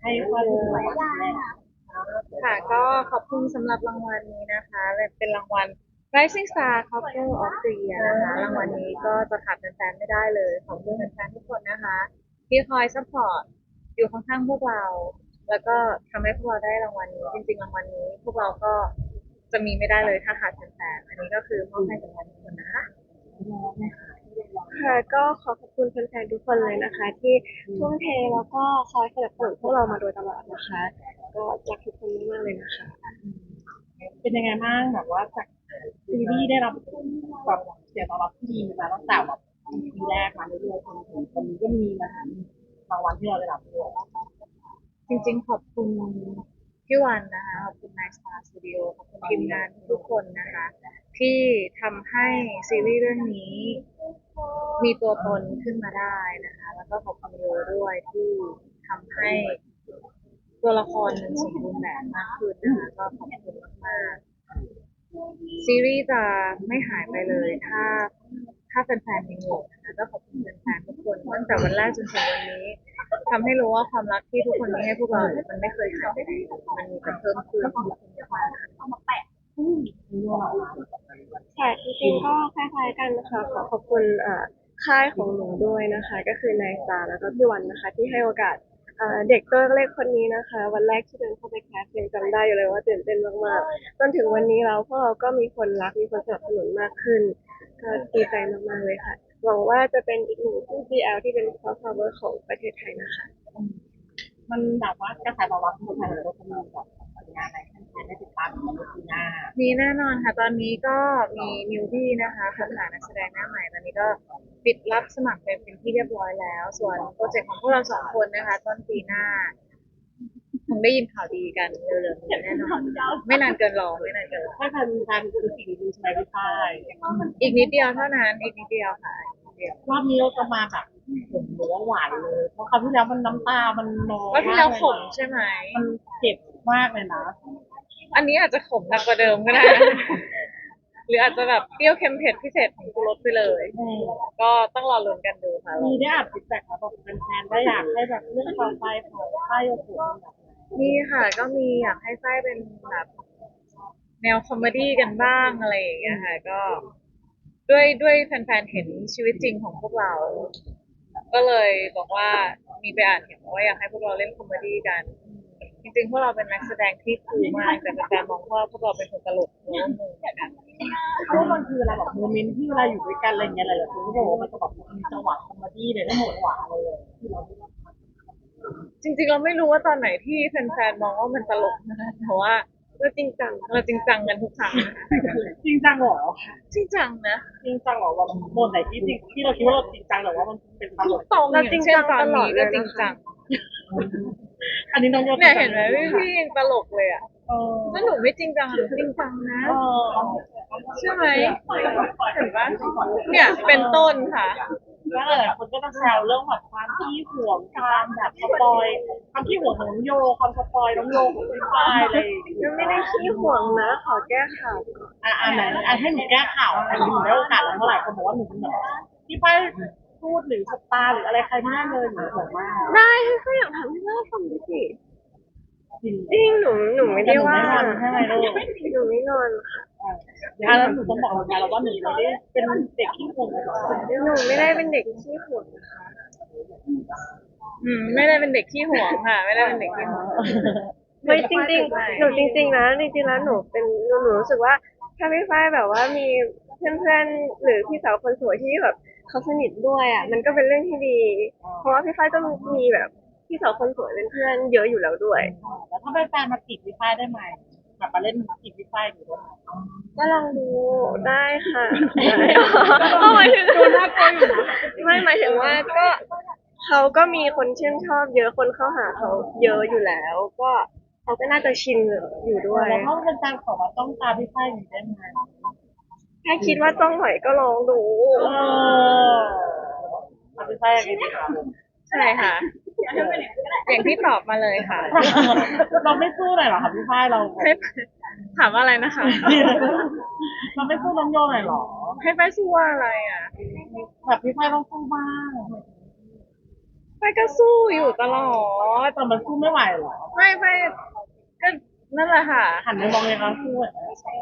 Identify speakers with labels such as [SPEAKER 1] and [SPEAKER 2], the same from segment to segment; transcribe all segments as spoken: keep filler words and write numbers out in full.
[SPEAKER 1] ให้ข้อมูลรางวัลแรก
[SPEAKER 2] ค่ะก็ขอบคุณสำหรับรางวัลนี้นะคะเป็นรางวัล Rising Star Couple of the Year นะคะรางวัลนี้ก็จะขาดแฟนๆไม่ได้เลยขอบคุณแฟนๆทุกคนนะคะที่คอยซัพพอร์ตอยู่ข้างๆพวกเราแล้วก็ทำให้พวกเราได้รางวัลนี้จริงๆรางวัลนี้พวกเราก็จะมีไม่ได้เลยถ้าขาดแฟนๆอันนี้ก็คือมอบให้กับทุกคนนะคะ
[SPEAKER 3] ค่ะก็ขอขอบคุณแฟนๆทุกคนเลยนะคะที่ทุ่มเทแล้วก็คอยสนับสนุนพวกเรามาโดยตลอดนะคะก็รักทุกคนมากๆเลยนะคะ
[SPEAKER 1] เป็นยังไงบ้างแบบว่าจากซีรีส์ได้รับแบบเสียงตอบรับที่ดีมาตั้งแต่แบบปีแรกมาเรื่อยๆจนถึงตอนนี้ก็มีมาถึงรางวัลที่เราได้รับด้วย
[SPEAKER 2] จริงๆขอบคุณพี่วันนะคะขอบคุณนายสตาร์สตูดิโอขอบคุณทีมงานทุกคนนะคะที่ทำให้ซีรีส์เรื่องนี้มีตัวตนขึ้นมาได้นะคะแล้วก็ขอบคุณโยด้วยที่ทำให้ตัวละครมันสมบูรณ์แบบมากขึ้นนะคะก็ขอบคุณมากๆซีรีส์จะไม่หายไปเลยถ้าถ้าแฟนๆยังอยู่นะคะก็ขอบคุณแฟนๆทุกคนตั้งแต่วันแรกจนถึงวันนี้ทำให้รู้ว่าความรักที่ทุกคนมีให้พวกเรามันไม่เคยหายไปไหนมันมีแต่เพิ่มขึ้นขอบคุณมากๆค่ะ
[SPEAKER 3] ค่ะจริงๆก็คล้ายๆกันนะคะขอขอบคุณเอ่อค่ายของหนูด้วยนะคะก็คือนายสตาร์แล้วก็พี่วันนะคะที่ให้โอกาสเอ่อเด็กตัวเล็กคนนี้นะคะวันแรกที่เดินเข้าไปแคสยังจำได้อยู่เลยว่าตื่นเต้นมากๆจนถึงวันนี้แล้วพวกเราก็มีคนรักมีคนสนับสนุนมากขึ้นก็ดีใจมากๆเลยค่ะหวังว่าจะเป็นอีกหนึ่งคู่ บี แอล ที่เป็น crossover ของประเทศไทยนะคะ
[SPEAKER 1] มันแบบว่ากระแสตอบรับของคนไทยเราจะมีแบบผลงานอะไรให้แฟนได้ติดตามในปีหน้า
[SPEAKER 2] มีแน่นอนค่ะตอนนี้ก็มีนิวบี้นะคะค้นหานักแสดงหน้าใหม่ตอนนี้ก็ปิดรับสมัครเป็นเป็นที่เรียบร้อยแล้วส่วนโปรเจกต์ของพวกเราสองคนนะคะต้นปีหน้าคงได้ยินข่าวดีกันเร็วๆนี้แน่นอนไม่นานเกินรอไม่นานเกินรอ
[SPEAKER 1] ถ้าทันทันคือสิ่งดีใช่ไหมพี่ฝ้าย
[SPEAKER 2] อีกนิดเดียวเท่านั้นอีกนิดเดียวค่ะอีกนิดเดียว
[SPEAKER 1] รอบนี้เราจะมาแบบผมหรือว่าหวานเลยเพราะคราวที่แล้วมันน้ำตามันน้อย
[SPEAKER 2] ว่าที่แล้วขม
[SPEAKER 1] นะ
[SPEAKER 2] ใช่ไหม
[SPEAKER 1] มันเจ็บมากเลยนะ
[SPEAKER 2] อันนี้อาจจะขมหนักกว่าเดิมก็ได้นะหรืออาจจะแบบเปรี้ยวเค็มเผ็ดพิเศษของกูรสไปเลยก็ต้องรอลุ้นกันดูค่ะ
[SPEAKER 1] มีได้อ่านฟีดแบ็กมาบอกแฟนๆได้อยากให้แบบเรื่องต่อไปของฝ้ายโยกุแบบ
[SPEAKER 2] มีค่ะก็มีอยากให้ไส้เป็นแบบแนวคอมเมดี้กันบ้างอะไรอย่างเงี้ยค่ะก็ด้วยด้วยแฟนๆเห็นชีวิตจริงของพวกเราก็เลยบอกว่ามีไปอ่านเห็นว่าอยากให้พวกเราเล่นคอมเมดี้กันจริงๆพวกเราเป็นนักแสดงที่คูลมากแต่แฟนๆมองว่าพวกเราเป็นคนตลกโน้มมือกัน
[SPEAKER 1] เพราะมันคือเวลาแบบโมเมนต์ที่เวลาอยู่ด้วยกันอะไรเงี้ยหลายๆคนก็บอกว่ามันจะแบบมีจังหวะคอมเมดี้เลยทั้งหมดหวานเลยที่เรา
[SPEAKER 2] จริงๆเราไม่รู้ว่าตอนไหนที่แฟนๆมองว่ามันตลกนะคะแต่ว่า
[SPEAKER 3] ก็จริงจัง
[SPEAKER 2] เราจริงจังกันทุกครั้งนะคะ
[SPEAKER 1] จริงจังเหรอ
[SPEAKER 2] จริงจังนะ
[SPEAKER 1] จริงจังเหรอแบบโมนไหนที่จริงที่เราคิดว่าเราจริงจังแต่ว่ามันเป็นตลก
[SPEAKER 2] ตรงอย่างเช่นตอนนี้ก็จริงจัง
[SPEAKER 1] อันนี้น้องโย
[SPEAKER 2] เนี่ยเห็นไหมพี่พี่ยังตลกเลยอ่ะ
[SPEAKER 1] เออ
[SPEAKER 2] ถ้าหนูไม่จริงจังหนูจริงจังนะ
[SPEAKER 1] เออ
[SPEAKER 2] ใช่ไหมเห็นปะเนี่ยเป็นต้นค่ะ
[SPEAKER 1] แล้วหลายคนก็จะแซวเรื่องแบบความที่ห่วงความแบบสปอยความที่ห่วงของน้องโยความสปอยน้องโยของพี่ฝ้ายอะไรอย่างเงี้ย
[SPEAKER 3] ยังไม่ได้ขี้ห่วงนะขอแก้ข่าวก่อน
[SPEAKER 1] อ่ะอันไหนอันให้หนูแก้ข่าวอันนี้หนูได้โอกาสแล้วเมื่อไหร่คนบอกว่าหนูเป็นแบบพี่ฝ้ายพูดหรือสตาร์หรืออะไรใครไม่ได้เลยหนูบอกว่า
[SPEAKER 3] ได้ก็อยากทำให้น่าฟังดิสิ
[SPEAKER 1] จริง
[SPEAKER 3] จริงหนูหนูไม่ได้ว่า
[SPEAKER 1] แต่หนูไม่งอนใช่ไหมลูก
[SPEAKER 3] หนูไม่งอนค่ะ
[SPEAKER 1] อ่าแล้วหนูต้องบอกเราว่าหนูไม่ได้เป็นเด็กที่ห่วงหรอก
[SPEAKER 3] หนูไม่ได้เป็นเด็กขี้ห่วงนะคะ
[SPEAKER 2] อืมไม่ได้เป็นเด็กขี้หวงค่ะไม่ได้เป็นเด็กขี้หวง
[SPEAKER 3] ไม่จริงๆหนูจริงๆนะจริงๆแล้วหนูเป็นหนูหนูรู้สึกว่าถ้าพี่ฝ้ายแบบว่ามีเพื่อนๆหรือพี่สาวคนสวยที่แบบเขาสนิทด้วยอ่ะมันก็เป็นเรื่องที่ดีเพราะว่าพี่ฝ้ายก็มีแบบพี่สาวคนสวยเป็นเพื่อนเยอะอยู่แล้วด้วย
[SPEAKER 1] แล้วถ้าเป็นแฟนมาจีบพี่ฝ้ายได้ไหมแบบมาเล่นจีบพี่ฝ้ายอยู่ได้ไหม
[SPEAKER 3] ก็ลองดูได้ค่ะก็หมายถึงไม่หมายถึงว่าก็เขาก็มีคนชื่นชอบเยอะคนเข้าหาเขาเยอะอยู่แล้วก็เขาก็น่าจะชินอยู่ด้วย
[SPEAKER 1] แล้วถ้าเป็นแฟนขอมาต้องตามพี่ฝ้ายอยู่ได้ไหม
[SPEAKER 3] ถ้าคิดว่าต้องไหวก็ลองดู
[SPEAKER 1] เออตามพี่ฝ้ายอย่างนี้ค่ะ
[SPEAKER 2] ใช่ค่ะอย่างที่ตอบมาเลยค่ะ
[SPEAKER 1] เราไม่สู้เลยเหรอคะพี่ฝ้ายเรา
[SPEAKER 2] ให้ถามว่าอะไรนะคะ
[SPEAKER 1] เราไม่สู้น้องโยหน่อยเหรอ
[SPEAKER 2] ให้ไปสู้ว่าอะไรอ่ะ
[SPEAKER 1] แบบพี่ฝ้ายต้องสู้บ้าง
[SPEAKER 2] ไปก็สู้อยู่ตลอด
[SPEAKER 1] แต่มันสู้ไม่ไหวหรอ
[SPEAKER 2] ไม่ไม่ก็นั่นแหละค่ะ
[SPEAKER 1] หันไปมองเลยเขาสู้อะ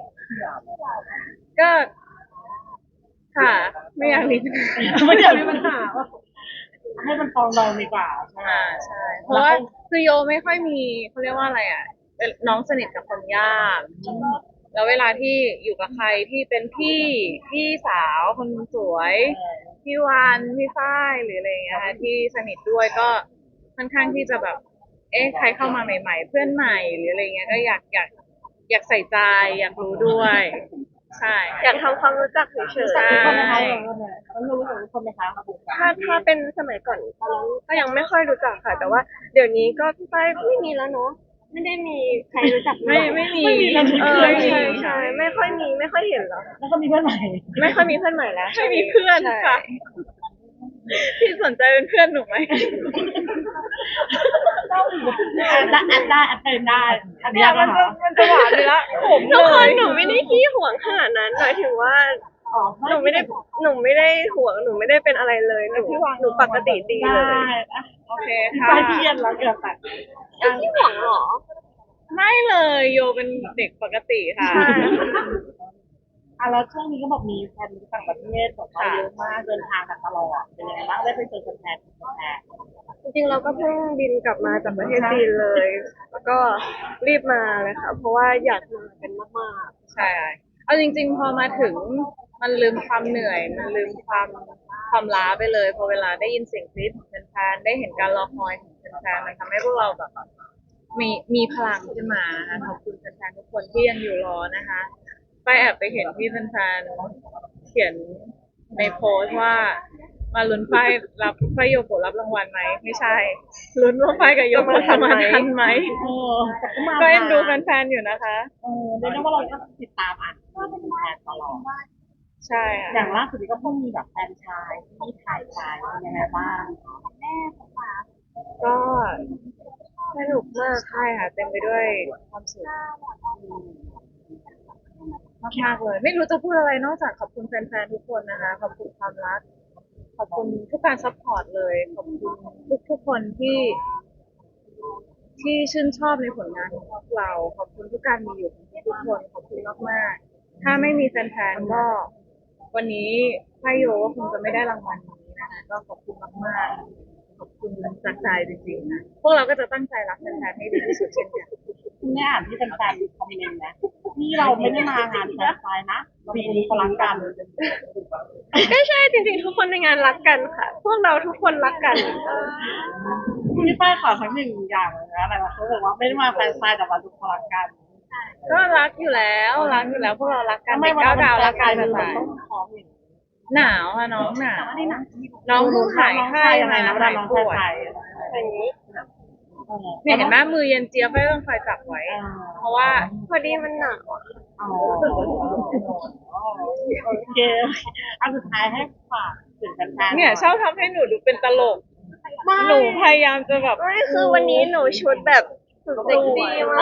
[SPEAKER 2] ก็ค่ะ ไม่อยากมีปัญหา
[SPEAKER 1] ไม่อยากมีปัญหาว่าให้มันฟองดองดีกว่าใช่ไหม
[SPEAKER 2] อ่าใช่ เพราะว่าคือโยไม่ค่อยมีเขาเรียกว่าอะไรอ่ะเป็นน้องสนิทกับคนยาก แล้วเวลาที่อยู่กับใครที่เป็นพี่พี่สาวคนสวยพี่วานพี่ฝ้ายหรืออะไรอย่างเงี้ยค่ะที่สนิทด้วยก็ค่อนข้างที่จะแบบ เอ๊ะใครเข้ามาใหม่ ๆ เพื่อนใหม่หรืออะไรเงี้ยก็อยากอยากอยากใส่ใจอยากรู้ด้วย ใช่
[SPEAKER 3] อยากทำความรู้จักเฉย
[SPEAKER 2] ใช่
[SPEAKER 1] ทุกคนนะคะต้องรู้จักทุกคนไหมคะครับผม
[SPEAKER 3] ๆถ้าถ้าเป็นสมัยก่อนตอนนั้นก็ยังไม่ค่อยรู้จักค่ะ แต่ว่าเดี๋ยวนี้ก็พี่ป้ายไม่มีแล้วเนาะไม่ได้มีใครรู้จัก
[SPEAKER 2] ไม่ไม่มี
[SPEAKER 3] เออ
[SPEAKER 2] ไม่มี
[SPEAKER 3] ใช่ใช่ไม่ค่อยมีไม่ค่อยเห็นแล้ว
[SPEAKER 1] แล้วก็มีเพื่อนใหม่
[SPEAKER 3] ไม่ค่อยมีเพื่อนใหม่แล้ว
[SPEAKER 2] ไม่มีเพื่อน
[SPEAKER 3] ใช่
[SPEAKER 2] ค่ะพี่สนใจเป็นเพื่อนหนูไหม
[SPEAKER 1] ได้แอดได้แอดเป็นได้อัน
[SPEAKER 2] เนี่
[SPEAKER 1] นี้
[SPEAKER 2] ย
[SPEAKER 1] ก็
[SPEAKER 2] มันจะมันจะหวานเลยละผม
[SPEAKER 3] ทุก
[SPEAKER 2] เล
[SPEAKER 3] คน
[SPEAKER 2] ย
[SPEAKER 3] หนูไม่ได้ขี้หวงขนาดนั้นหมายถึงว่า
[SPEAKER 1] อ๋อ
[SPEAKER 3] หนูไม่ได้หนูไม่ได้ห่วงหนูไม่ได้เป็นอะไรเลยหนูหนูปกติดีเลย
[SPEAKER 1] ได้
[SPEAKER 2] โอเค
[SPEAKER 1] พี่
[SPEAKER 2] ค่ะ
[SPEAKER 1] ป้ายพี่เย็นแล้วเกือบแตก
[SPEAKER 3] ขี้หวงเหรอ
[SPEAKER 2] ไม่เลยโยเป็นเด็กปกติค่ะ
[SPEAKER 1] อ่ะแล้วช่วงนี้ก็บอกมีแฟนต่างประเทศบอกว่าเยอะมากเดินทางกันตลอดเป็นยังไงบ้างได้ไปเจอแฟนๆแฟน
[SPEAKER 3] จริงๆเราก็เพิ่งบินกลับมาจากประเทศจีนเลย แล้วก็รีบมาเลยค่ะ เพราะว่าอยากมากันมาก
[SPEAKER 2] ใช่ เอาจริง ๆ พอมาถึงมันลืมความเหนื่อย มันลืมความความล้าไปเลยพอเวลาได้ยินเสียงกรี๊ดของแฟนๆได้เห็นการรอคอยของแฟนๆมันทำให้พวกเราแบบมีมีพลังขึ้นมานะคะขอบคุณแฟนๆทุกคนที่ยังอยู่รอนะคะไปแอบไปเห็นที่แฟนๆเขียนในโพสต์ว่า มาลุ้นไฟรับไฟโยโกะรับรางวัลไหมไม่ใช่ลุ้นว่าไฟกับโยโกะจะมาทันไหม
[SPEAKER 1] ๆเออแต่ก็มา
[SPEAKER 2] ก็เอ็นดูแฟนๆอยู่นะคะ
[SPEAKER 1] เออเรียกได้ว่าเราก็ติดตามอ่านว่าเป็นแฟนตลอด
[SPEAKER 2] ใช่ค่ะ
[SPEAKER 1] อย่างล่าสุดนี้ก็เพิ่งมีแบบแฟนชายที่ถ่ายชายเป็นยังไงบ้าง
[SPEAKER 2] ก็สนุกมากใช่ค่ะเต็มไปด้วยความสุขมากๆเลย ไม่รู้จะพูดอะไรนอกจากขอบคุณแฟนๆทุกคนนะคะ ขอบคุณความรัก ขอบคุณทุกการซัพพอร์ตเลย ขอบคุณทุกทุกๆคนที่ ที่ชื่นชอบในผลงานของพวกเรา ขอบคุณทุกการมีอยู่ของทุกคน ขอบคุณมากๆ ถ้าไม่มีแฟนๆก็ วันนี้ไพโยก็คงจะไม่ได้รางวัลนี้นะคะ ก็ขอบคุณมากๆ ขอบคุณจากใจจริงๆนะพวกเราก็จะตั้งใจรักแฟนๆให้ดีที่สุดเช่นกัน
[SPEAKER 1] คุณได้อ่านที่แฟนๆคอมเมนต์นะนี่เราไม่ได้มางานแฟนชายนะปีนี้เขารักกัน
[SPEAKER 3] ๆไม่ใช่จริงๆทุกคนในงานรักกันค่ะ พวกเราทุกคนรักกัน
[SPEAKER 1] คุณพี่ป้ายขอทั้งหนึ่งอย่างเลยนะอะไรวะเขาบอกว่าไม่ได้มาแฟนชายแต่มาทุกคนรักกัน
[SPEAKER 2] ก็รักอยู่แล้วรักอยู่แล้วพวกเรารักกัน
[SPEAKER 1] ทำไม
[SPEAKER 2] เด็ก
[SPEAKER 1] วัน
[SPEAKER 2] เก้าดาวรักกัน
[SPEAKER 1] มั
[SPEAKER 2] จะ
[SPEAKER 1] น
[SPEAKER 2] ตาย
[SPEAKER 1] ต้องท้องอย่างนี้
[SPEAKER 2] หนาวค่ะน้องหนาวน้องเพิ่งหายไข้
[SPEAKER 1] ยังไง
[SPEAKER 2] มา
[SPEAKER 1] นะเวลา
[SPEAKER 2] หาย
[SPEAKER 1] น้อง
[SPEAKER 2] ป่วย
[SPEAKER 1] ชาย
[SPEAKER 3] อย่างนี้
[SPEAKER 2] เนี่ยเห็นไหมมือเย็นเจี๊ยบไม่ต้องคอยจับไว้ เพราะว่า
[SPEAKER 3] พอดีมันหนาว
[SPEAKER 1] อ๋อโอเคอันสุดท้ายให้ฝากถึงแฟนๆ
[SPEAKER 2] เนี่ยชอบทำให้หนูดูเป็นตลก หนูพยายามจะแบบ
[SPEAKER 3] ไม่คือวันนี้หนูชุดแบบสุดเซ็กซี่
[SPEAKER 2] เอ
[SPEAKER 3] มา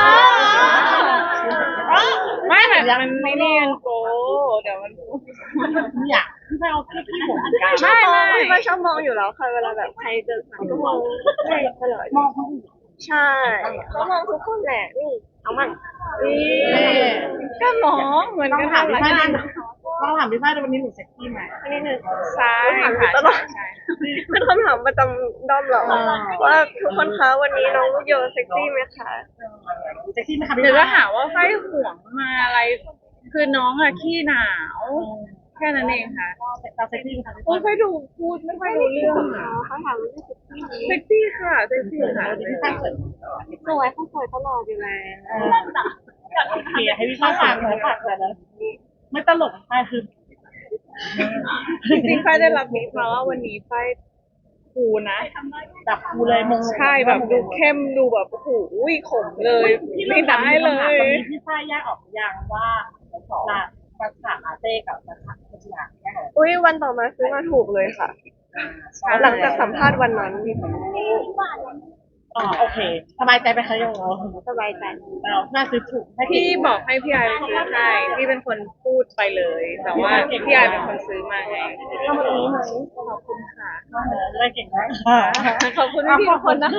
[SPEAKER 2] อก ไม่แต่มันไม่เนียนโกเดี๋ยวมัน
[SPEAKER 1] เนี่ยพี่ป้ายเอาที่พี่ผมเหมือนกัน
[SPEAKER 3] ชอบมอง
[SPEAKER 2] ไม่ไม่
[SPEAKER 3] พี่ป้าชอบมองอยู่แล้วค่ะเวลาแบบใครเจอใครก็มองไม่ตลอด
[SPEAKER 1] มองคนอื่น
[SPEAKER 3] ใช่เขามองทุกคนแหละนี่เอามันนี่
[SPEAKER 2] ก็น้องเหมือน
[SPEAKER 1] ต้อง
[SPEAKER 2] กัน
[SPEAKER 1] ถามพี่
[SPEAKER 2] หล
[SPEAKER 1] ป้าย
[SPEAKER 2] ย
[SPEAKER 1] นะต้องถามพี่ป้ายวันนี้หนูเซ็กซี่ไหม
[SPEAKER 3] อันนี้หนึ่ง
[SPEAKER 2] ซ้าย
[SPEAKER 3] ถามอยู่
[SPEAKER 2] ค่ะ
[SPEAKER 3] ตลอด
[SPEAKER 2] ใช่
[SPEAKER 3] เป็นคำถามประจำด้อมเหรอ
[SPEAKER 1] อ่า
[SPEAKER 3] ว่าทุกคนคะวันนี้น้องลูกโยเซ็กซี่ไหมคะ
[SPEAKER 1] เซ็กซี่ไหมคะพี่
[SPEAKER 2] เดี๋ยวจะ
[SPEAKER 1] ป้าย
[SPEAKER 2] หาว่าไฟห่วงมาอะไร คือน้องอะขี้หนาว แค่นั้นเองค่ะ
[SPEAKER 1] เราเซ็กซี่ไหมคะพี่
[SPEAKER 2] โอ้
[SPEAKER 1] ป้าย
[SPEAKER 2] ไฟดูพูดไม่ค่อยรู้เรื่องอะ
[SPEAKER 3] เขาถามว่าเซ็กซี่ไหม
[SPEAKER 2] เซ็กซี่ค่ะเซ็กซี่ค่ะ
[SPEAKER 1] พี่ป้ายสวย
[SPEAKER 3] สวยเขาสวยตลอดอยู่แล้ว
[SPEAKER 1] โอเคให้พี่ป้ายฝากเลยฝากเลยนะไม่ตลกป้ายคือ
[SPEAKER 2] จริงๆไฟได้รับนี้มาว่าวันนี้ไฟคูนะ
[SPEAKER 1] จับกูเลยมง
[SPEAKER 2] ใช่แบบดูเข้มดูแบบโอ้โหขมเลย
[SPEAKER 1] พี่
[SPEAKER 2] ไม่ได้เล
[SPEAKER 1] ตอน
[SPEAKER 2] ย
[SPEAKER 1] นี้พี่ป้ายแยกออกยังว่าละภาษาอาเต้กับภาษาพัชยาแยกออก
[SPEAKER 3] อุ้ยวันต่อมาซื้อมาถูกเลยค่ะ หลังจากสัมภาษณ์วันนั้น
[SPEAKER 1] อ๋อโอเคสบายใจไปคะโย
[SPEAKER 3] สบายใจ
[SPEAKER 1] เราน่าซื้อถูกให้
[SPEAKER 2] พี่บอกให้พี่ไอายซื้อให้พี่เป็นคนพูดไปเลย แต่ว่าพี่ไอายเป็นคนซื้อมาไง
[SPEAKER 1] เข้ามาตรงนี้ไหม
[SPEAKER 2] ขอบคุณค่ะ
[SPEAKER 1] เล่นเก่งมากค่ะ
[SPEAKER 2] ขอบคุณพี่ๆทุกคนนะคะ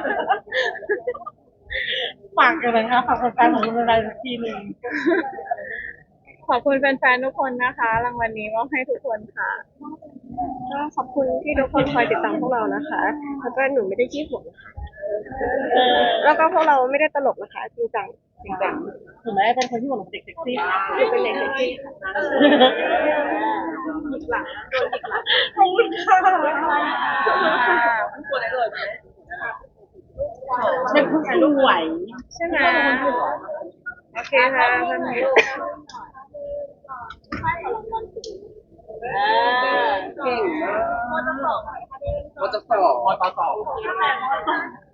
[SPEAKER 1] ฝากกันเลยค่ะฝากแฟนๆของคุณอะไรสักทีหนึ่ง
[SPEAKER 2] ขอบคุณแฟนๆทุกคนนะคะรางวัลนี้มอบให้ทุกคนค่ะ
[SPEAKER 3] ก็ขอบคุณที่ทุกคนคอยติดตามพวกเรานะคะ แล้วก็หนูไม่ได้ขี้ห่วงนะคะ
[SPEAKER 1] เออ
[SPEAKER 3] แล้วก็พวกเราไม่ได้ตลกนะคะจริงจัง
[SPEAKER 1] จริงจังถึงแม้เป็นคนที่หวงเด็กเซ็กซี่
[SPEAKER 3] หนูเป็นเด็กเซ็กซี่ค่ะ
[SPEAKER 1] หยิกหลังโดนหยิกหลังขอบคุณค่ะเป็นผู้สวย
[SPEAKER 2] ใช่ไหมโอเคค่ะท่านผู้ชม
[SPEAKER 1] เก่งมาก
[SPEAKER 4] มอจะสอบมอต่อสอบ